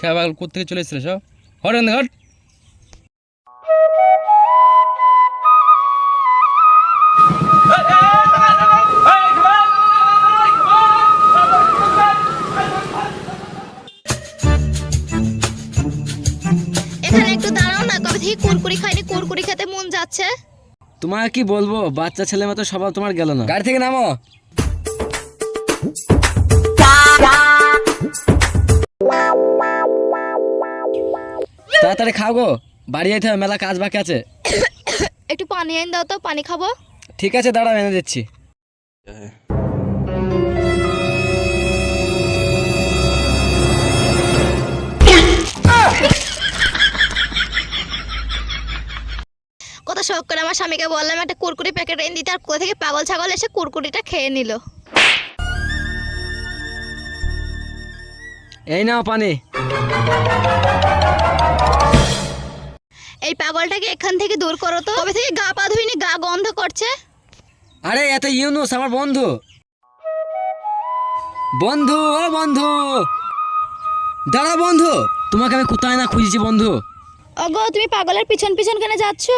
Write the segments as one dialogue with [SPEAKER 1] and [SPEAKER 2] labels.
[SPEAKER 1] খেয়া পাগল কোথেকে চলে এসেছিল সব? হট এখান থেকে, হট।
[SPEAKER 2] এখানে একটু দাঁড়াও না, কবে থেকে কুরকুরি খাইনি, কুরকুরি খেতে মন যাচ্ছে।
[SPEAKER 3] তোমাকে কি বলবো, বাচ্চা ছেলে মতো স্বভাব তোমার গেল না। গাড়ি থেকে নামো। তাড়াতাড়ি খাও গো, বাড়ি যেতে হবে, মেলা কাজ বাকি আছে।
[SPEAKER 2] একটু পানি এনে দাও তো, পানি খাবো।
[SPEAKER 3] ঠিক আছে, দাঁড়াও এনে দিচ্ছি।
[SPEAKER 2] কত শখ করে আমার স্বামীকে বললাম একটা কুরকুরি প্যাকেট এনে দিতে, আর কোথা থেকে পাগল ছাগল এসে কুরকুরিটা খেয়ে নিল।
[SPEAKER 3] এই নাও পানি।
[SPEAKER 2] এই পাগলটাকে এখান থেকে দূর করো তো, কবে থেকে গা পা ধুইনি, গা গন্ধ করছে।
[SPEAKER 3] আরে এত ইউনুস আমার বন্ধু। বন্ধু, ও বন্ধু, দাঁড়া বন্ধু, তোমাকে আমি কোথায় না খুঁজেছি বন্ধু।
[SPEAKER 2] ওগো, তুমি পাগলের পিছন পিছন কেন যাচ্ছ?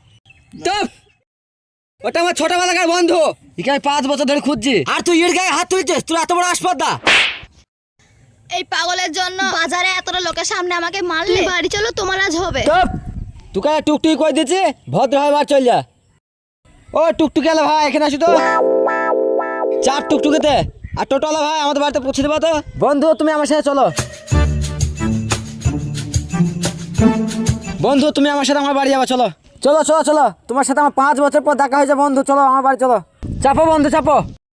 [SPEAKER 3] ওটা আমার ছোটবেলাকার বন্ধু, একে আমি 5 বছর ধরে খুঁজছি, আর তুই এর গায়ে হাত তুলছিস? তুই এত বড় আসপর্দা!
[SPEAKER 2] এই পাগলের জন্য বাজারে এতটা লোকের সামনে আমাকে মারলে। বাড়ি চলো, তোমার আজ হবে।
[SPEAKER 3] তোকে টুকটুকি করে দিচ্ছি, ভদ্রভাবে বার চল যা। ও টুকটুকি আলা ভাই, এখানে আসো তো। চাপ টুকটুকিতে। আর টোটোলা ভাই, আমাদের বাড়িতে পৌঁছে দেবো তো। বন্ধু তুমি আমার সাথে চলো। বন্ধু তুমি আমার সাথে আমার বাড়ি যাবো, চলো চলো চলো চলো। তোমার সাথে আমার 5 বছর পর দেখা হয়েছে বন্ধু, চলো আমার বাড়ি চলো। চাপো বন্ধু, চাপো।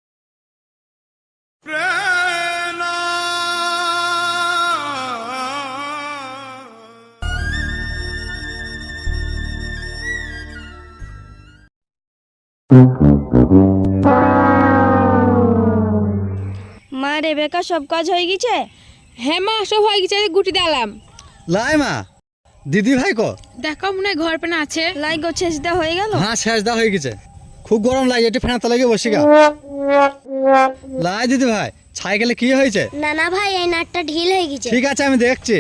[SPEAKER 2] মা, রেবেকা সব কাজ হয়ে গেছে?
[SPEAKER 4] হ্যাঁ মা, সব হয়ে গেছে, গুটি দিলাম।
[SPEAKER 5] লাই মা, দিদি ভাই কো?
[SPEAKER 4] দেখো মনে হয় ঘর পেনা আছে।
[SPEAKER 2] লাই গো, ছেঁচটা হয়ে গেল?
[SPEAKER 5] হ্যাঁ, শেষ দা হয়ে গেছে। খুব গরম লাগে, একটু ফ্যান তলায় গিয়ে বসি গা। লাই দিদি ভাই, সাইকেলে কি হয়েছে?
[SPEAKER 2] না না ভাই, এই নাটটা ঢিল হয়ে গেছে।
[SPEAKER 5] ঠিক আছে, আমি দেখছি।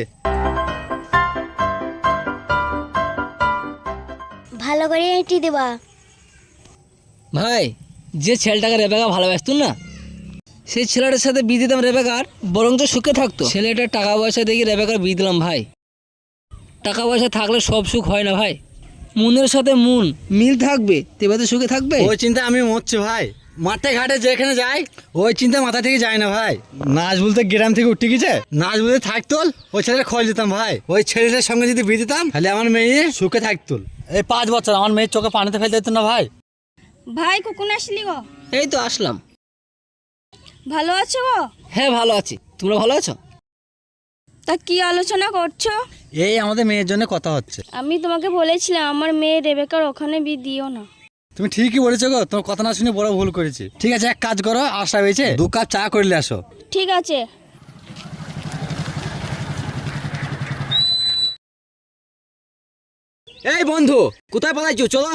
[SPEAKER 2] ভালো করে এঁটি দেবা।
[SPEAKER 3] ভাই, যে ছেলেটাকে রেবেকা ভালোবাসত না, সেই ছেলেটার সাথে বিয়ে দিতাম রেবেকার, বরঞ্চ সুখে থাকতো। ছেলেটার টাকা পয়সা দেখি রেবেকার বিয়ে দিলাম ভাই। টাকা পয়সা থাকলে সব সুখ হয় না ভাই, মনের সাথে মন মিল থাকবে তবে তো সুখে থাকবে।
[SPEAKER 5] ওই চিন্তা আমি মরছি ভাই। মাঠে ঘাটে যেখানে যাই, ওই চিন্তা মাথা থেকে যায় না ভাই। নাচ বলতে গ্রাম থেকে উঠে গেছে, নাচ বলতে থাকতো, ওই ছেলেটা খোঁজ দিতাম ভাই। ওই ছেলেটার সঙ্গে যদি বিয়ে দিতাম, তাহলে আমার মেয়ে সুখে থাকতো। এই 5 বছর আমার মেয়ের চোখে পানিতে ফেলতে দিত না ভাই।
[SPEAKER 2] ভাই, কখন আসলি গো?
[SPEAKER 3] এই তো আসলাম।
[SPEAKER 2] ভালো আছো গো?
[SPEAKER 3] হ্যাঁ ভালো আছি, তোমরা ভালো আছো?
[SPEAKER 2] তা কি আলোচনা করছো?
[SPEAKER 5] এই আমাদের মেয়ের জন্য কথা হচ্ছে।
[SPEAKER 2] আমি তোমাকে বলেছিলাম আমার মেয়ে রেবেকার ওখানে বিয়ে দিও না।
[SPEAKER 5] তুমি ঠিকই বলেছো গো, তোমার কথা না শুনে বড় ভুল করেছি। ঠিক আছে, এক কাজ করো, আশা হয়েছে 2 কাপ চা করলে আসো।
[SPEAKER 2] ঠিক আছে।
[SPEAKER 3] এই বন্ধু, কোথায় পালাইছো? চলো।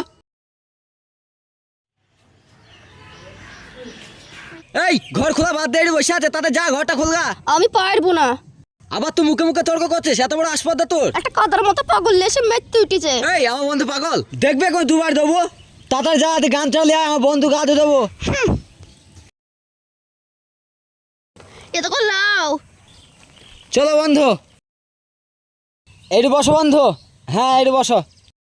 [SPEAKER 3] এই ঘর খোলা বাদ দিয়ে বসে আছে, তাতে যা ঘরটা খুলগা।
[SPEAKER 2] আমি পারবো না।
[SPEAKER 3] আবার তুই মুখে মুখে তর্ক করছিস, এত বড় আসপর্দা তোর?
[SPEAKER 2] একটা কাদার মতো পাগল এসে মেতে উঠেছে।
[SPEAKER 3] এই আমার বন্ধু পাগল, দেখবে কোন 2 বার দেবো। তাড়াতাড়ি যা, গান চালিয়ে আয়, আমার বন্ধু গা ধুয়ে দেবো।
[SPEAKER 2] এ তো লাও।
[SPEAKER 3] চলো বন্ধু, এইটু বসো বন্ধু। হ্যাঁ এইটু বসো।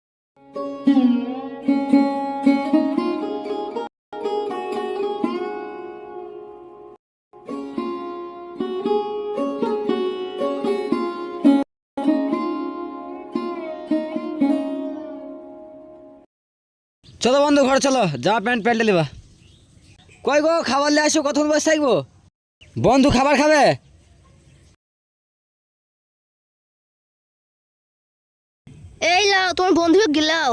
[SPEAKER 3] চলো বন্ধু ঘরে চলো, যা প্যান্ট প্যান্টে নেবা। কই গো, খাবার নিয়ে আসো, কতক্ষণ বসে থাকবো? বন্ধু খাবার খাবে?
[SPEAKER 2] এই লাও, তোমার বন্ধু গিলাও।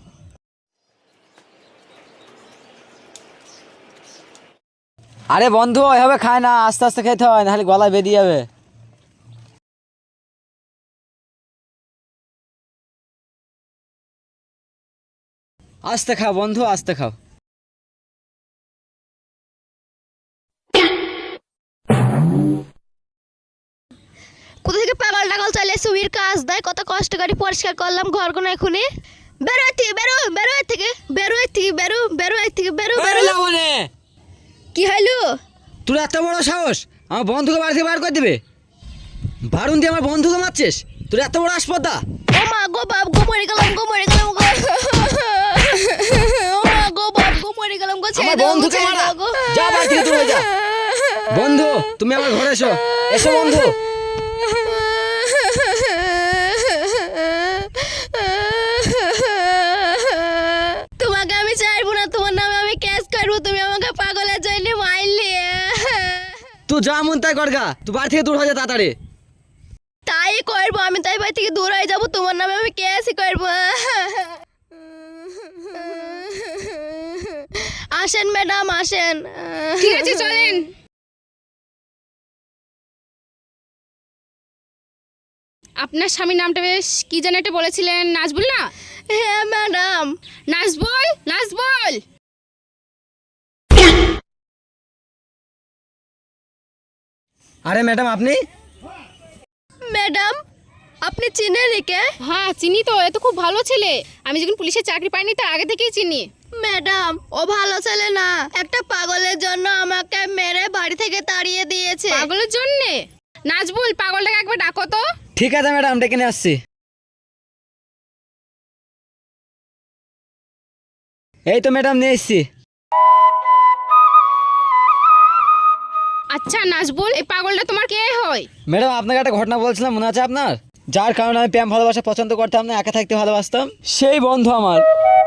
[SPEAKER 3] আরে বন্ধু এভাবে খায় না, আস্তে আস্তে খেতে হয়, নাহলে গলায় বেরিয়ে যাবে। আস্তে খাও বন্ধু, আস্তে খাও।
[SPEAKER 2] কোথা থেকে পাগল টাগল চলে এসে উইর কাজ দেয়, কত কষ্ট করে পরিষ্কার করলাম ঘরগুলো এখনই। বেরো এর থেকে, বেরো বেরো এর থেকে, বেরো এর থেকে, বেরো বেরো এর থেকে, বেরো বেরো। কি হইলো?
[SPEAKER 3] তোর এত বড় সাহস আমার বন্ধুকে বাড়ি থেকে বার করে দিবে? বারুন দিয়ে আমার বন্ধুকে মারছিস? তোর এত বড় আসপদা!
[SPEAKER 2] ও মা গো বাপ গো, মরে গেলাম গো, মরে গেলাম গো। ও মা গো বাপ গো, মরে গেলাম গো, ছেড়ে
[SPEAKER 3] আমার
[SPEAKER 2] দাও গো,
[SPEAKER 3] বন্ধুকে
[SPEAKER 2] ছেড়ে
[SPEAKER 3] মারা!
[SPEAKER 2] দাও গো।
[SPEAKER 3] যা বাড়ি থেকে দূরে যা। বন্ধু তুমি আমার ঘরে এসো, এসো বন্ধু।
[SPEAKER 2] তোমাকে আমি চাইবো না, তোমার নামে আমি কেস করবো, তুমি আমাকে পাগলের জন্য মারলে।
[SPEAKER 3] তুই যা মন তাই করগা, তুই বাড়ি থেকে দূর হয়ে যা তাড়াতাড়ি।
[SPEAKER 2] তাই করবো আমি, তাই বাড়ি থেকে দূর হয়ে যাবো, তোমার নামে আমি কেসই করবো। আসেন ম্যাডাম, আসেন।
[SPEAKER 4] ঠিক আছে চলেন। আপনার স্বামীর নামটা বেশ কি যেন একটা বলেছিলেন, নাজবুল না?
[SPEAKER 2] হ্যাঁ ম্যাডাম।
[SPEAKER 4] নাজবুল, নাজবুল।
[SPEAKER 3] আরে ম্যাডাম আপনি?
[SPEAKER 2] ম্যাডাম আপনি চিনেন একে?
[SPEAKER 4] হ্যাঁ চিনি তো, এ তো খুব ভালো ছেলে। আমি যখন পুলিশের চাকরি পাইনি তার আগে থেকেই চিনি।
[SPEAKER 2] ম্যাডাম ও ভালো ছেলে না, একটা পাগলের জন্য আমাকে মেরে বাড়ি থেকে তাড়িয়ে দিয়েছে।
[SPEAKER 4] পাগলের জন্যে? নাজবুল পাগলটাকে একবার ডাকো তো।
[SPEAKER 3] ঠিক আছে ম্যাডাম, ডেকে নিয়ে আসছি। এই তো ম্যাডাম নিয়ে এসছি।
[SPEAKER 4] আচ্ছা নাজবুল, এই পাগলটা তোমার কে হয়?
[SPEAKER 3] ম্যাডাম আপনাকে একটা ঘটনা বলছিলাম, মনে আছে আপনার? যার কারণে আমি প্রেম ভালোবাসা পছন্দ করতাম না, একা থাকতে ভালোবাসতাম, সেই বন্ধু আমার।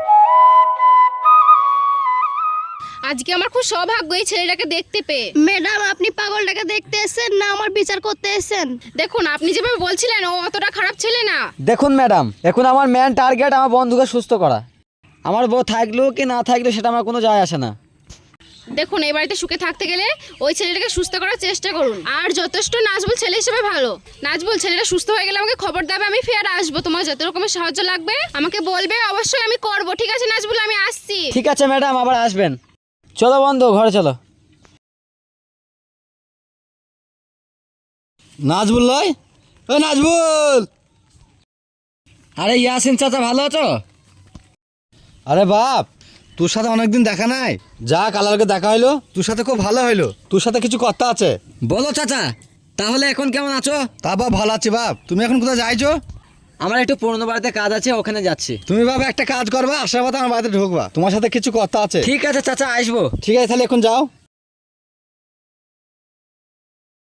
[SPEAKER 4] আজকে আমার খুব সৌভাগ্য এই ছেলেটাকে দেখতে পেয়ে।
[SPEAKER 2] ম্যাডাম আপনি পাগলটাকে দেখতে এসেছেন না আমার বিচার করতে এসেছেন?
[SPEAKER 4] দেখুন আপনি যেভাবে বলছিলেন ও অতটা খারাপ ছেলে না।
[SPEAKER 3] দেখুন ম্যাডাম, এখন আমার মেন টার্গেট আমার বন্ধুকে সুস্থ করা। আমার বউ থাকলেও কি না থাকলেও সেটা আমার কোনো যায় আসে না।
[SPEAKER 4] দেখুন এই বাড়িতে সুখে থাকতে গেলে ওই ছেলেটাকে সুস্থ করার চেষ্টা করুন। আর যথেষ্ট নাজবুল ছেলে হিসেবে ভালো। নাজবুল ছেলেটা সুস্থ হয়ে গেলে আমাকে খবর দেবে, আমি ফের আসবো। তোমার যত রকমের সাহায্য লাগবে আমাকে বলবে, অবশ্যই আমি করব। ঠিক আছে নাজবুল, আমি আসছি।
[SPEAKER 3] ঠিক আছে ম্যাডাম, আবার আসবেন। চলো বন্ধু ঘরে চলো।
[SPEAKER 5] নাজবুল নয়? ও নাজবুল!
[SPEAKER 3] আরে ইয়াসিন চাচা, ভালো আছো?
[SPEAKER 5] আরে বাপ, তোর সাথে অনেকদিন দেখা নাই। যা কালারকে দেখা হইলো, তোর সাথে খুব ভালো হইলো। তোর সাথে কিছু কথা আছে।
[SPEAKER 3] বলো চাচা, তাহলে এখন কেমন আছো?
[SPEAKER 5] তা বাপ ভালো আছি বাপ। তুমি এখন কোথায় যাইছো?
[SPEAKER 3] আমার একটু পুরনো বাড়িতে কাজ আছে, ওখানে যাচ্ছি।
[SPEAKER 5] তুমি বাবা একটা কাজ করবা, আসার পথে আমার বাড়িতে ঢুকবা, তোমার সাথে কিছু কথা আছে।
[SPEAKER 3] ঠিক আছে চাচা, আসবো।
[SPEAKER 5] ঠিক আছে তাহলে এখন যাও।